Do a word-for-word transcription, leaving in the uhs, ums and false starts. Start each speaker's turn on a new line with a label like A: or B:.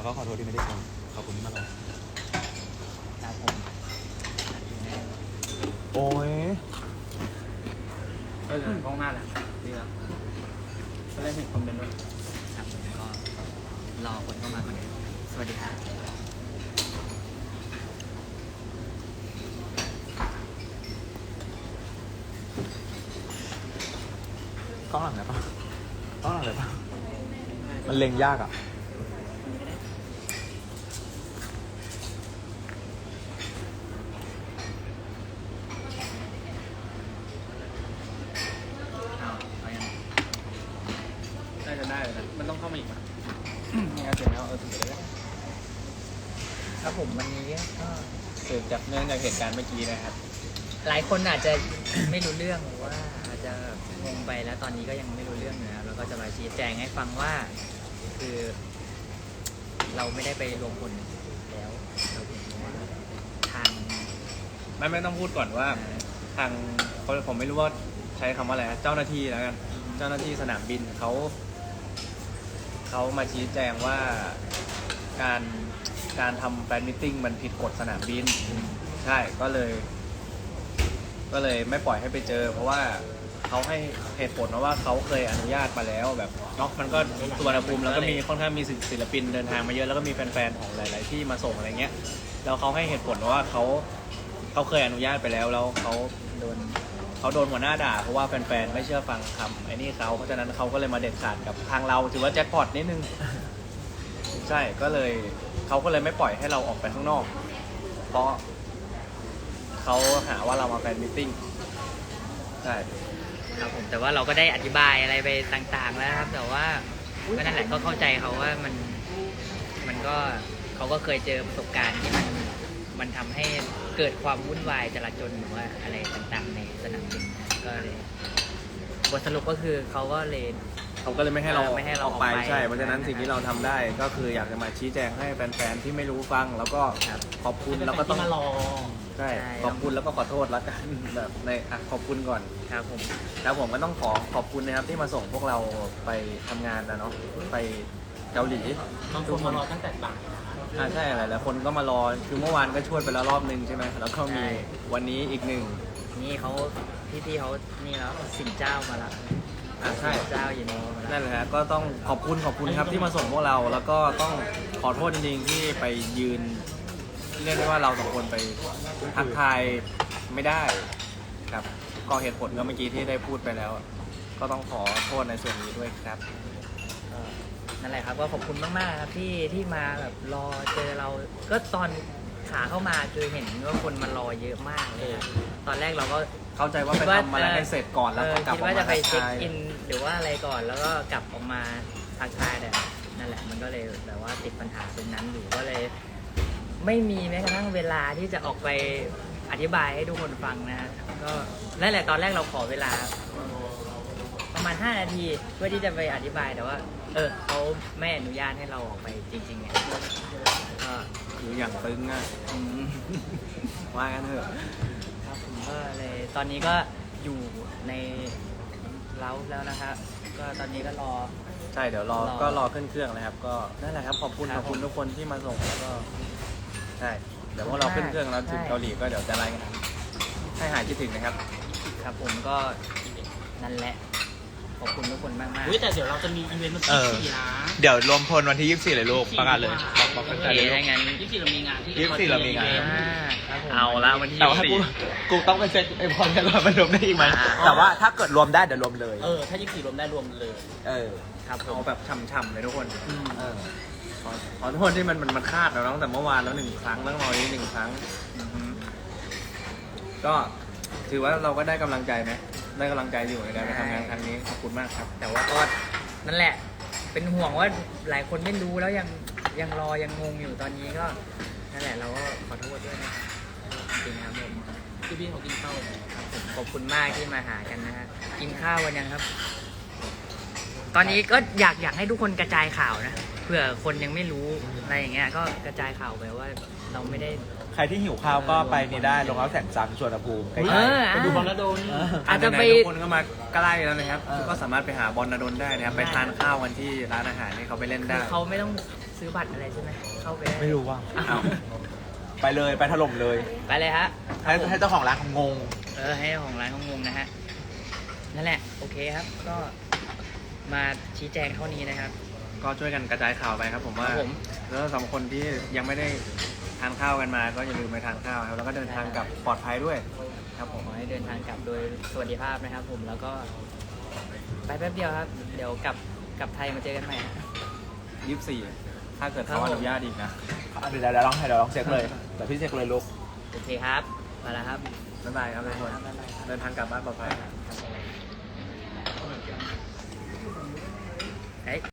A: ก็ขอโทษที่ไม่ได้ชมขอบคุณที่มาลอง
B: ครับผม
A: โอ้ย
C: เออห้องหน้าแหละดีแล้วก็ได้เห็นคอมเมนต์ด้วย
B: ครับผมก็รอคนเข้ามาก่อนสวัสดีครับ
A: กล้องหลังไหนปะกล้องหลังไหนปะมันเล็งยากอ่ะ
C: น่าจะได้เลยนะมันต้องเข้ามาอีกมั้ยไม่งั้นเสร็จแล้วเออถึงจะได้
B: ครับผมวันนี้ก็
C: เกิดจากเนื่องจากเหตุการณ์เมื่อกี้นะครับ
B: หลายคนอาจจะ ไม่รู้เรื่องหรือว่าอาจจะงงไปแล้วตอนนี้ก็ยังไม่รู้เรื่องนะครับแล้วก็จะมาชี้แจงให้ฟังว่าคือ เราไม่ได้ไปรวมพลแล้วเราเห็นว่าทาง
C: ไม่ไม่ต้องพูดก่อนว่าทางเขาผมไม่รู้ว่าใช้คำว่าอะไรนะเจ้าหน้าที่แล้วกันเจ้าหน้าที่สนามบินเขาเขามาชี้แจงว่าการการทำแฟนมิทติ้งมันผิดกฎสนามบินใช่ก็เลย ก็เลยไม่ปล่อยให้ไปเจอเพราะว่าเขาให้เหตุผลว่าเขาเคยอนุญาตมาแล้วแบบเนาะมันก็สุวรรณภูมิแล้วก็มีค่อนข้างมีศิลปินเดินทางมาเยอะแล้วก็มีแฟนๆของหลายๆที่มาส่งอะไรเงี้ยแล้วเขาให้เหตุผลว่าเขาเขาเคยอนุญาตไปแล้วแล้วเขาโดนเขาโดนหัวหน้าด่าเพราะว่าแฟนๆไม่เชื่อฟังคำไอ้นี่เขาเพราะฉะนั้นเขาก็เลยมาเด็ดขาดกับทางเราถือว่าแจ็คพอตนิดนึงใช่ก็เลยเขาก็เลยไม่ปล่อยให้เราออกไปข้างนอกเพราะเขาหาว่าเรามาแฟนมิทติ้งใช่
B: ครับผมแต่ว่าเราก็ได้อธิบายอะไรไปต่างๆแล้วครับแต่ว่าก็นั่นแหละก็เข้าใจเขาว่ามันมันก็เขาก็เคยเจอประสบการณ์ที่มันมันทำให้เกิดความวุ่นวายจราจรหรือว่าอะไรต่างๆในสนามบินก็เลยบทสรุปก็คือเขาก็เลย
C: เขาก็เลยไม่ให้เรา
B: ไม่ให้เรา
C: ออกไปใช่เพราะฉะนั้น
B: นะครับ
C: สิ่งที่เราทำได้ก็คืออยากจะมาชี้แจงให้แฟนๆที่ไม่รู้ฟังแล้วก็ขอบคุณแล้วก็ต้อง
B: มารอ
C: ใช่ขอบคุณแล้วก็ขอโทษแล้วกันแบบในอ่ะขอบคุณก่อน
B: ครับผม
C: แล้วผมก็ต้องขอขอบคุณนะครับที่มาส่งพวกเราไปทำงานนะเนาะไปเกาหลี
B: บางคนมารอตั้งแต่บ่าย
C: อ่าใช่หลายๆคนก็มารอคือเมื่อวานก็ช่วยไปแล้วรอบนึงใช่ไหมแล้วก็มีวันนี้อีกหนึ่ง
B: นี่เขาพี่ๆเขานี่แล้วสินเจ้ามาแล้ว
C: อ่าใช่
B: เจ้าอยู่นี่
C: นั่นแหละฮะก็ต้องขอบคุณขอบคุณครับที่มาส่งพวกเราแล้วก็ต้องขอโทษจริงๆที่ไปยืนเรียกได้ว่าเราสองคนไปทักทายไม่ได้ครับก็เหตุผลก็เมื่อกี้ที่ได้พูดไปแล้วก็ต้องขอโทษในส่วนนี้ด้วยครับ
B: นั่นแหละครับก็ขอบคุณมากๆครับที่ที่มาแบบรอเจอเราก็ตอนขาเข้ามาคือเห็นว่าคนมารอเยอะมากเลยตอนแรกเราก็
C: เข้าใจว่าไปทำอะไรให้เสร็จก่อนแล้วก็กลับออกมา
B: คิดว่าจะไปเช็คอินหรือว่าอะไรก่อนแล้วก็กลับออกมาทักทายแต่นั่นแหละมันก็เลยแบบว่าติดปัญหาตรงนั้นอยู่ก็เลยไม่มีแม้กระทั่งเวลาที่จะออกไปอธิบายให้ทุกคนฟังนะฮะก็นั่นแหละตอนแรกเราขอเวลาประมาณห้านาทีเพื่อที่จะไปอธิบายแต่ว่าเออเขาไม่อนุญาตให้เราออกไปจริงๆเนี่ยก็
C: อยู่อย่างตึงอ่ะว่ากันเถอะ
B: ครับผมก็เลยตอนนี้ก็อยู่ในเล้าแล้วนะครับก็ตอนนี้ก็รอ
C: ใช่เดี๋ยวรอก็รอขึ้นเครื่องนะครับก็นั่นแหละครับขอบคุณขอบคุณทุกคนที่มาส่งแล้วก็ใช่เดี๋ยวพวกเราขึ้นเครื่องแล้วถึงเกาหลีก็เดี๋ยวจะไลน์กันให้หายคิดถึงนะครับ
B: ครับผมก็นั่นแหละขอบคุณทุกคนมากๆ
D: แต่เดี๋ยวเราจะมีอีเวนต์วันที่ยี่สิบสี่นะ
A: เดี๋ยวรวมพลวันที่ยี่สิบสี่เลยลูกประกาศเลยบอกบอกกันเลย
B: ได้งั้น
D: ยี่สิบสี่เรามีงานที่
A: ยี่สิบสี่เรามีงาน
B: เอาละวันที่
A: แต่ว่ากูกูต้องไปเช็คไอ้พอลกันว่ามันรวมได้อีกไหมแต่ว่าถ้าเกิดรวมได้เดี๋ยวรวมเลย
D: เออถ้ายี่สิบสี่รวมได้รวมเลย
A: เออ
C: ครับเอาแบบช่ำๆเลยทุกคนเออขอโทษที่มันมันมันคาดแล้วตั้งแต่เมื่อวานแล้วหนึ่งครั้งแล้วรอนี้หนึ่งครั้งก็ถือว่าเราก็ได้กำลังใจไหมได้กำลังใจอยู่ในการไปทำงานครั้งนี้ขอบคุณมากครับ
B: แต่ว่าก็นั่นแหละเป็นห่วงว่าหลายคนไม่รู้แล้วยังยังรอยังงงอยู่ตอนนี้ก็นั่นแหละเราก็ขอโทษด้วยนะจริงครับผม
D: พี่พี่เขากินข้าว
B: ครับผมขอบคุณมากที่มาหากันนะฮะกินข้าววันยังครับตอนนี้ก็อยากอยากให้ทุกคนกระจายข่าวนะเผื่อคนยังไม่รู้อะไรอย่างเงี้ยก็กระจายข่าวไปว่าเราไม่ได้
A: ใครที่หิวข้าวก็ไปนี่ได้ลงเอาแสงจันทร์สวนภูมิใกล้
B: เออ
D: ไปดูบอลแล้วโดน
A: ๆเออ
B: อาจจะไป
C: หนๆทุกคนก็มาใกล้แล้วนะครับ
A: เออ
C: ก็สามารถไปหาบอลนดลได้นะครับ
B: ได้
C: ไปทานข้าวกันที่ร้านอาหารที่เขาไปเล่น
B: คื
C: ได้
B: อเขาไม่ต้องซื้อบัตรอะไรใช่ไหมเข้าไปด้
A: ไม่รู้ว่า
B: อ้าว
A: ไปเลยไปถล่มเลย
B: ไปเลยฮะ
A: ให้ให้เจ้าของร้านเขางง
B: เออให้ของร้านเขางงนะฮะนั่นแหละโอเคครับ ก็มาชี้แจงเท่านี้นะครับ
C: ก็ช่วยกันกระจายข่าวไปครับผมว่า
B: ครับผม
C: แล้วสำหรับคนที่ยังไม่ได้ทานข้าวกันมา ก็อย่าลืมไปทานข้าวครับ แล้วก็เดินทางกลับปลอดภัยด้วยครับผม
B: ขอให้เดินทางกลับโดยสวัสดิภาพนะครับ ผมแล้วก็ ไปแป๊บเดียวครับ เดี๋ยวกลับกลับไทยมาเจอกันใหม่ฮะ
C: ยี่สิบสี่ถ้าเกิด
B: ครั
C: เขา
B: บผม
C: อนุญาตอีกนะ
A: เดี๋ยวเดี๋ยวลองให้เดี๋ยวลองเช็คเลยแต่พี่เช็คเลยลูก
B: โอเคครับมาแล้วครับ
C: บ๊ายบายครับทุกคน
B: บ๊ายบายครับ
C: เดินทางกลับบ้านปลอดภัย
B: เฮ้ย